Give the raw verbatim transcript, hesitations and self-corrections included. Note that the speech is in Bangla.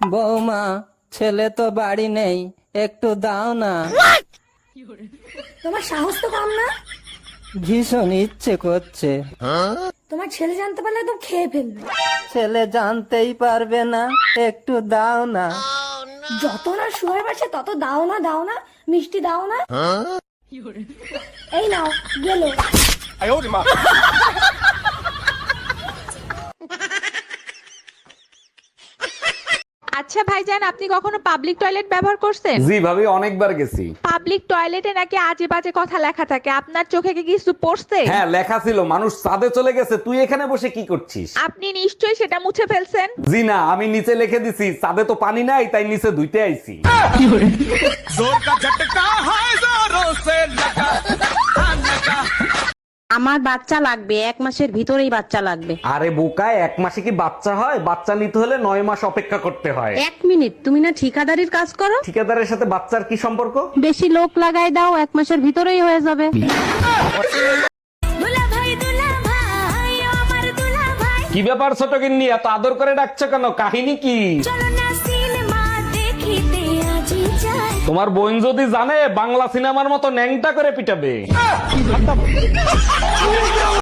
বৌমা ছেলে তো বাড়ি নেই, একটু দাও না। তোমার সাহস তো কম না। ভীষণ ইচ্ছে করছে। তোমার ছেলে জানতে পারলে একদম খেয়ে ফেলবে। ছেলে জানতেই পারবে না, একটু দাও না। যত না শুয়ে বাসে তত দাও না দাও না, মিষ্টি দাও না। এই নাও গেলো। আচ্ছা ভাইজান, আপনি কখনো পাবলিক টয়লেট ব্যবহার করছেন? জি ভাবি, অনেকবার গেছি। পাবলিক টয়লেটে নাকি আজে বাজে কথা লেখা থাকে, আপনার চোখে কি কিছু পড়ছে? হ্যাঁ, লেখা ছিল মানুষ চাঁদে চলে গেছে, তুই এখানে বসে কি করছিস? আপনি নিশ্চয়ই সেটা মুছে ফেলছেন। জি না, আমি নিচে লিখে দিছি চাঁদে তো পানি নাই, তাই নিচে ধুইতে আইছি। আমার বাচ্চা লাগবে, এক মাসের ভিতরেই বাচ্চা লাগবে। আরে বোকায়, এক মাসে কি বাচ্চা হয়? বাচ্চা নিতে হলে নয় মাস অপেক্ষা করতে হয়। এক মিনিট, তুমি না ঠিকাদারির কাজ করো? ঠিকাদারের সাথে বাচ্চার কি সম্পর্ক? বেশি লোক লাগাই দাও, এক মাসের ভিতরেই হয়ে যাবে। কি ব্যাপার ছোট গিন্নি, এত আদর করে ডাকছো কেন? কাহিনী কি? তোমার বোন যদি জানে, বাংলা সিনেমার মতো ন্যাংটা করে পিটাবে।